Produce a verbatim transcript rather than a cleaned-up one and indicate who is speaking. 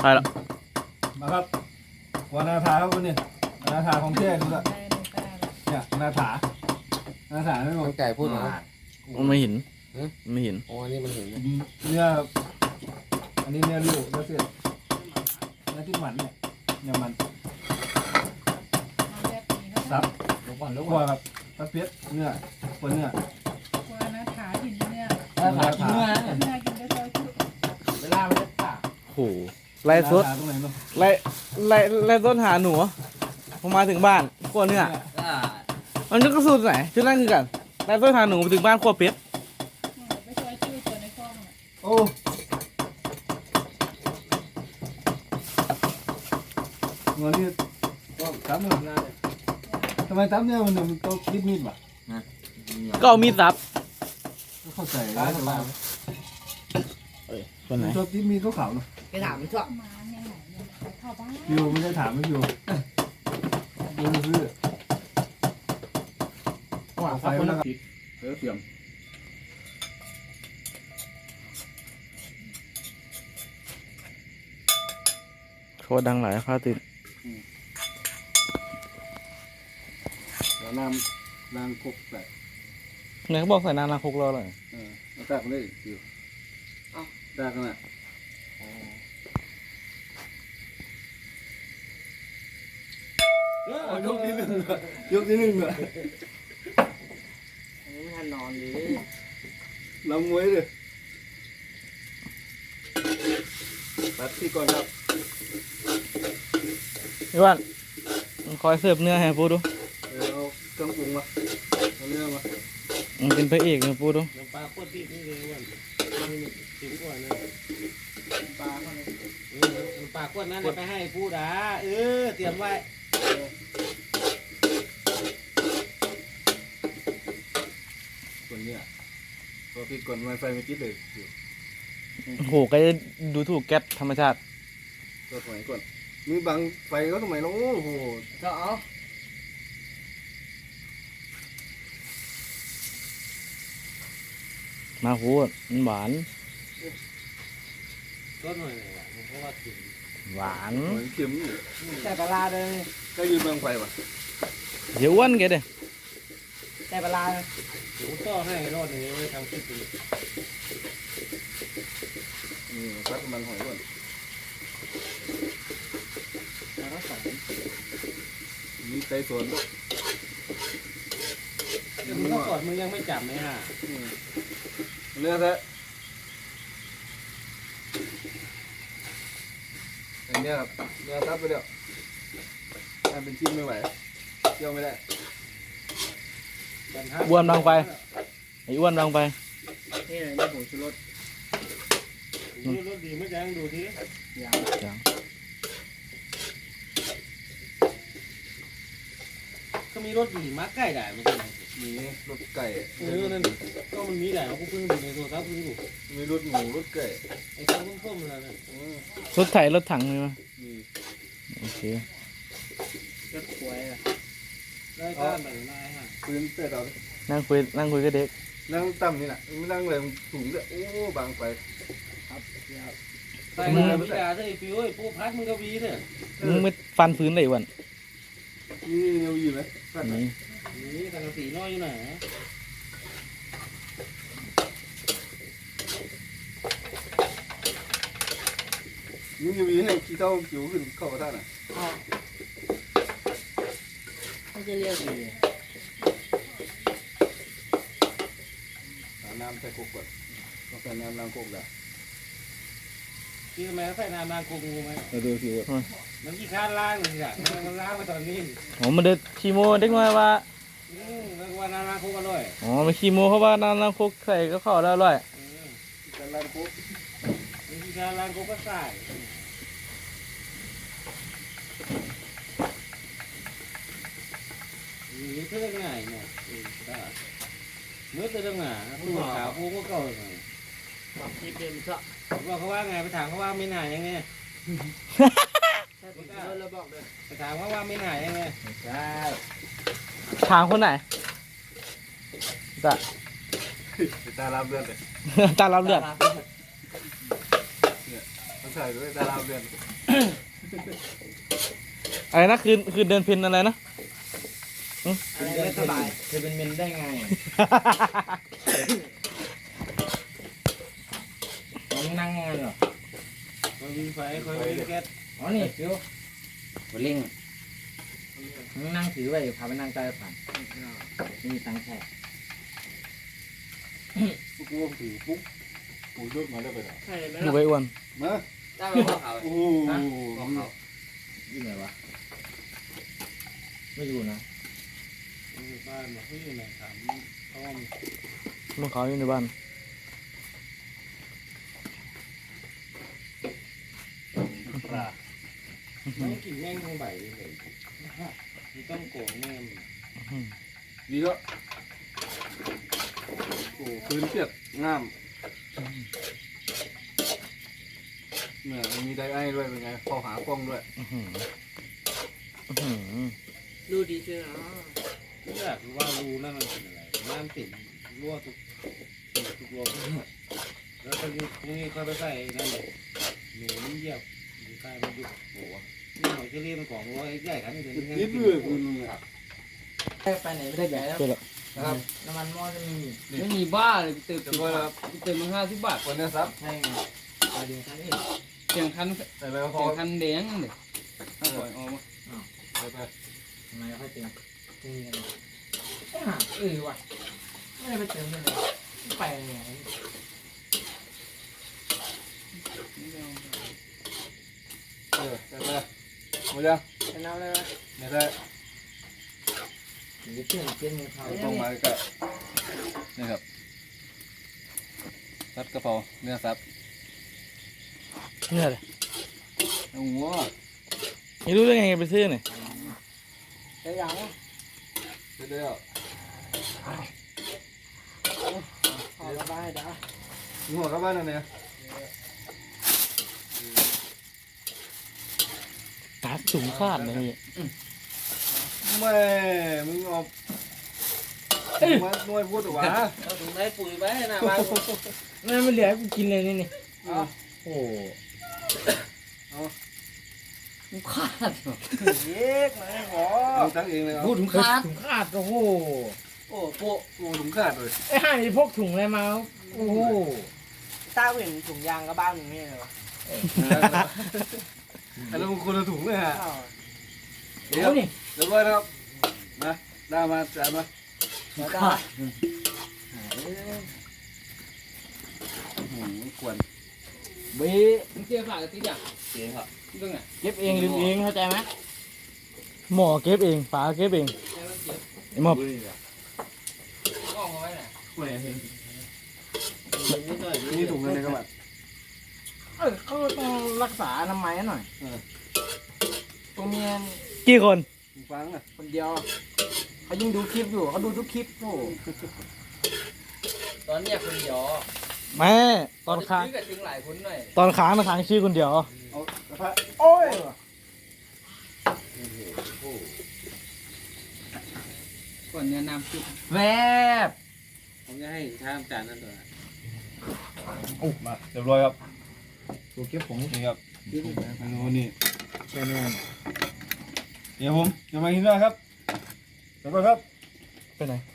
Speaker 1: ไปแล้ว
Speaker 2: มาครับวานาถาครับวันนี้วานาถาของเท่ดูละเนี่ยนาถานาถาไม่หมด
Speaker 3: ไก่พูดมา
Speaker 1: มันไม่เห็นไม่เห็น
Speaker 3: โอ้นี่มันเห็น
Speaker 2: เนื้ออันนี้เนื้อลูกแล้วเสร็จเนื้อที่หมันเนี่ยเนื้อมันซับ
Speaker 3: ลงก่อนลง
Speaker 2: คั่
Speaker 3: ก่
Speaker 2: ว
Speaker 3: อน
Speaker 2: ครับปลาเปี๊ยกเนื้อคนเนื้อ
Speaker 4: วานาถาหินเนี่ย
Speaker 3: ขากินเนื้อ
Speaker 4: เนื้อกินได้ซอยจุ
Speaker 3: เวลามันจะปาก
Speaker 1: โอ้โหไล่สด
Speaker 2: นาถาตรงไหนเนาะ
Speaker 1: ไล่ไล่ไล่ต้นหาหนูพอมาถึงบ้านขั้วเนื้อมันก็สูตรไหนชุดนั่นคือกันไล่ต้นหาหนูไปถึงบ้านขั้วเป็ด
Speaker 4: ไปซอยจุตัวในคลอง
Speaker 2: โอ้เงินนี่ก็ตั้มเนี่ยทำไมตั้มเนี่ยมันมันต้องคิดมีดวะ
Speaker 1: ก็เอามีดสับ
Speaker 2: ก็เข้าใจแล้วแต่ว่า
Speaker 1: คนไหน
Speaker 2: ชอบคิดมีดขาวๆเนาะ
Speaker 3: ไปถามมันชอบ
Speaker 4: มาเนี่ยไหนเนี่ยเข้าบ้าน
Speaker 2: พิวไม่ได้ถามไม่พิวดูซื้อว่าไฟมันแล้วก็เออเตรียม
Speaker 1: โคตรดังหลายผ้าติด
Speaker 2: แล้วน้ำน้ำคุกใส่
Speaker 1: เนี่ยเขาบอกใส่น้ำล้างคุกรอเลย
Speaker 2: เออแล้วตักเลยพิวเอ้าตักกันอ่ะยกที่หนึ่งยกที่หนึ่งเลย
Speaker 3: ไม่ทันนอนเลย
Speaker 2: ลำมวยเลยตัดที่ก่อนครับ
Speaker 1: พี่ว่านคอยเสิร์ฟเนื้อให้ปูดู
Speaker 2: เออเอาเครื่องปรุงมาเอาเนื้อมา
Speaker 1: มันเป็นพระเอกนะปูดู
Speaker 3: น้ำปลาโคตรดีนี่เลยวันนี่ถึงกว่านะ
Speaker 2: ปลาเข้าไป
Speaker 3: น้ำปลาโคตรนั้นไปให้พูดอ่ะเออเตรียมไว้
Speaker 2: คนเนี้ยพอพี่กดไวไฟไม่คิดเลยอยู่
Speaker 1: โอ้โหก็จะดูถูกแก๊สธรรมชาติ
Speaker 2: ตัวสมัยก่อนมีบังไฟก็สมัยน้องโอ้โห
Speaker 3: ก็เอา
Speaker 1: มาพูดมันหวาน
Speaker 3: ต้นหน่อยว่ะเพราะว่าถึง
Speaker 1: หวาน
Speaker 2: เหมือนเข็มอยู่
Speaker 3: แต่ปลาเลย
Speaker 2: ก็ยืนบังไฟว่ะ
Speaker 1: เดี๋ยวอ้วนแกเด้
Speaker 3: แต่ปลาเดี๋ยวก็ให้รอดนี้ไว้ทำคลิปดู
Speaker 2: อืมซักมันหอยก่อน
Speaker 3: แล้วก็ใส่
Speaker 2: มีไก่สวนด้วย
Speaker 3: มึงก็กอดมึงยังไม่จับไหมฮะ
Speaker 2: อืมเนื้อแท้อันเนี้ยครับเนื้อซับไปเดี๋ยวทำเป็นชิ้นไม่ไหวเคี่ยวไม่ได้
Speaker 1: อ้วนบางไปไอ้อ้วนบางไป
Speaker 3: นี่เลยนี่ผงชูรสรสดีไม่จังดูทียาว
Speaker 1: จัง
Speaker 3: ก็มีรสดีมาใกล้ได้ไม่ใช่
Speaker 2: มีรสไก่
Speaker 3: เออนั่นก็มันมีได้เราก็เพิ่งดูในโทรศัพท์เพิ่งดู
Speaker 2: มีรสหมูรสไก่
Speaker 3: ไอ้ข้าวต้มๆอะไรนั่น
Speaker 2: อืม
Speaker 1: รถไถรถถังเลยมั้ย
Speaker 2: มี
Speaker 1: โอเค
Speaker 3: รสควายอ่ะได้ก็แบบนายฮะ
Speaker 2: พื้นเตะเราดิ
Speaker 1: นั่งคุยนั่งคุยกับเด็ก
Speaker 2: นั่งต่ำนี่น่ะไม่นั่งเลยสูงด้วยโอ้บางไป
Speaker 3: ใส่เลยพี่ดาใส่ฟิวไอ้ปูพัดมึงก็วีเนี่ย
Speaker 1: มึงไม่ฟันฟื้นเลยอ้วน
Speaker 2: นี่เนียวอยู่ไหมฟัดไหน
Speaker 1: นี่
Speaker 3: นี่สังกะสีน้อยอยู่ไหน
Speaker 2: นี่เนียวอยู่ให้ขี้เท่าจิ๋วขึ้นเข้ากระทะน่ะ
Speaker 3: เขาจะเรียกดี
Speaker 2: หาน้ำใส่กุกก่อนต้องใส่น้ำล้างกุกแล้ว
Speaker 3: ที่ทำไมเขาใส่น้ำล้างกุงูไหม
Speaker 2: เราดูสิว่า
Speaker 3: มันขี้ค้านล้างเลยอ่ะมันล้างมาตอนนี้
Speaker 1: อ๋อมันเด็ดคีโมเด็กน้อยว่า
Speaker 3: อืมแล้วก็ว่าน้ำล้างกุอร่อย
Speaker 1: อ๋อไม่คีโมเพราะว่าน้ำล้างคุกใส่ก็เข้าแล้วอร่อย
Speaker 3: อืม
Speaker 2: ใส่ล้างกุก
Speaker 3: มันขี้ค้านล้างกุก็ใส่นี่เท่าง่ายเนี่ยเมื่อเท่าง่ายตัวขาวปูก็เก่าเลย
Speaker 5: แบบที่เป็นชอบ
Speaker 3: ว่าเขาว่าไงไปถามเขาว่าไม่หนายังไง
Speaker 5: ถ้าเป็นเพื่อนเราบอกเลย
Speaker 3: ไปถามเขาว่าไม่หนายังไง
Speaker 5: ใช่
Speaker 1: ถามคนไหนจ้ะ
Speaker 2: ตาลามเลือดเลย
Speaker 1: ตาเราเลือด
Speaker 2: ผใช่ด้วยดาราเดือน
Speaker 1: อะไรนะคืนคืนเดินเพนอะไรนะ
Speaker 5: อะไรไม่สบาย
Speaker 3: จะเป็นเมนได้ไงน้องนั่งไงเหรอคอยวิ่งไฟคอยวิ่งแก๊สอ๋อนี่ฟิวหัวเล่งนั่งถือไว้พาไปนั่งใต้ผ่านไม่มีตังค์แค่
Speaker 2: ปุ๊บปุ๊บถือปุ๊บปุ๊บยกมาได้ไปแล้ว
Speaker 5: ใช่ไหม
Speaker 1: ดู
Speaker 5: ล่ะ
Speaker 1: ไปอ้วน
Speaker 2: มา
Speaker 5: ได้ไหมพ่อเขา
Speaker 2: โอ้
Speaker 5: พ่อเขา
Speaker 3: อยู่ไหนวะไม่อยู่นะ
Speaker 2: บ้านมาเขาอยู่ไหนถามอ้อม
Speaker 1: ลูกเขาอยู่ในบ้าน
Speaker 2: ปลา
Speaker 3: ไม่กินแม่งทั้งใบเลยนี่ต้องโกงแม่
Speaker 1: อืม
Speaker 2: ดีแล้วโอ้คืนเปียกงามเนี่ยมีไดไอ้ด้วยเป็นไงพอหากล้องด้วย
Speaker 1: อื้อหืออื้อหือ
Speaker 5: ดูดีใช่ไหม
Speaker 3: ไม่อยากรู้ว่ารูนั่นมันเป็นอะไรน้ำติดรั่วทุกทุกรั่วแล้วตรงนี้ตรงนี้ค่อยไปใส่นั่นเลยหนูมันเหยียบอยู่ใต้มันยุบหัวนี่หอยเชอรี่มันของร้อยใหญ่กันนี่เลย
Speaker 2: นิดเดียวคุณ
Speaker 3: ไปไหนไม่ได้ใหญ่แล้ว
Speaker 1: เจอแล้ว
Speaker 2: นะครับ
Speaker 3: น้ำมันหม้อจะมี
Speaker 5: ไม่มีบ้าเลยเติม
Speaker 2: จะไปครับ
Speaker 5: เติมมาห้าสิบบาท
Speaker 2: วันนี้ซับ
Speaker 3: ใช่ไงไปเดี๋ยวท่านนี่
Speaker 5: เสียงคัน
Speaker 2: ใส่ไปพ
Speaker 5: เสี
Speaker 2: อย
Speaker 5: งคันแดงเลยถ้าปล่อยออกมา
Speaker 2: ใส่ไป
Speaker 3: ทำไมค่อยเติมนี่กันเออว่ะไม่ได้ไปเติมเลยไปไง
Speaker 2: เออใส่ไปหมดยัง
Speaker 5: เป็นน้ำเลยไหม
Speaker 2: ไม่ได้
Speaker 3: หรือเพื่อนเพื่อนมือเขา
Speaker 2: ตรงมาก็นี่ครับซัดกระเพราเนื้อซับ
Speaker 1: เนี่ยเลย
Speaker 2: โอ้โห
Speaker 1: ไม่รู้ได้ไงไปซื้อเนี่ย
Speaker 5: ได้ยัง
Speaker 2: เสร็จแล้ว
Speaker 5: ขอระบายเด้อ
Speaker 2: มีหัวกลับบ้านแล้วเนี่ย
Speaker 1: ตาสูงคาดเลยนี่
Speaker 2: แม่มึงเอามาหน่วยพูดหรอวะ
Speaker 5: เราถึงได้ปุ๋ยไว้หน้าบ้าน
Speaker 3: นั่นไม่เหลือให้กูกินเลยนี่นี่
Speaker 2: เอา
Speaker 3: โอ้
Speaker 5: กูขาด
Speaker 2: เย็กมาขอเอาตั้งเองเลยเอา
Speaker 5: พูดถึงขาด
Speaker 3: ถุงขาดโอ้โห
Speaker 5: โอ้โป
Speaker 2: โอ้ถุงขาดเลย
Speaker 3: ไอ้ห่านี่พกถุงอะไรมาโอ้โห
Speaker 5: ตาเห็นถุงยางก็บ้านหนึ่งนี่เลยวะ
Speaker 2: อันนั้นมันคนละถุงเลยฮะ
Speaker 3: เดี๋ยวนี่
Speaker 2: เรียบร้อยนะครับมาได้มาจ่ายมา
Speaker 5: ขาด
Speaker 2: หืมควร
Speaker 3: บี
Speaker 5: มึงเจียฝากกับติ๊กอย่าง
Speaker 2: เสียครับ
Speaker 5: ตรงไหน
Speaker 3: เก็บเองลืมเองเข้าใจไหม
Speaker 1: หมอเก็บเองฝาเก็บเอง
Speaker 5: ให้มันเก็บ
Speaker 1: ไอ้หมอบ
Speaker 5: กล้องเอาไว้ไหน
Speaker 2: แหวนเห็น
Speaker 5: นิดหน่อย
Speaker 2: นี่ถุงเงินในกระบะ
Speaker 3: เออเขาต้องรักษาอนามัยหน่อยตัวเมีย
Speaker 1: กี่คน
Speaker 2: ฟังอ่ะ
Speaker 3: คนเดียวเขายิ่งดูคลิปอยู่เขาดูทุกคลิปโอ้
Speaker 5: ตอนเนี้ยคนเดียว
Speaker 1: แม่ตอนค้าง
Speaker 5: ซื้กับถึงหลายคนหน่อย
Speaker 1: ตอนค้างนะค้างชื่อคนเดียว
Speaker 2: เอากระทะโอ้ย
Speaker 5: ก่อนเนี่ยน้ำซุป
Speaker 3: แวบ
Speaker 5: ผมจะให้ทามจานนั่นตัว
Speaker 2: โอ้มาเรียบร้อยครับ
Speaker 3: ดูคลิปผม
Speaker 2: นี่ครับเมนูนี่
Speaker 3: แค่นี้
Speaker 2: เดี๋ยวผมจะมากินด้วยครับเดี๋ยวก่อนครับ
Speaker 1: ไปไหน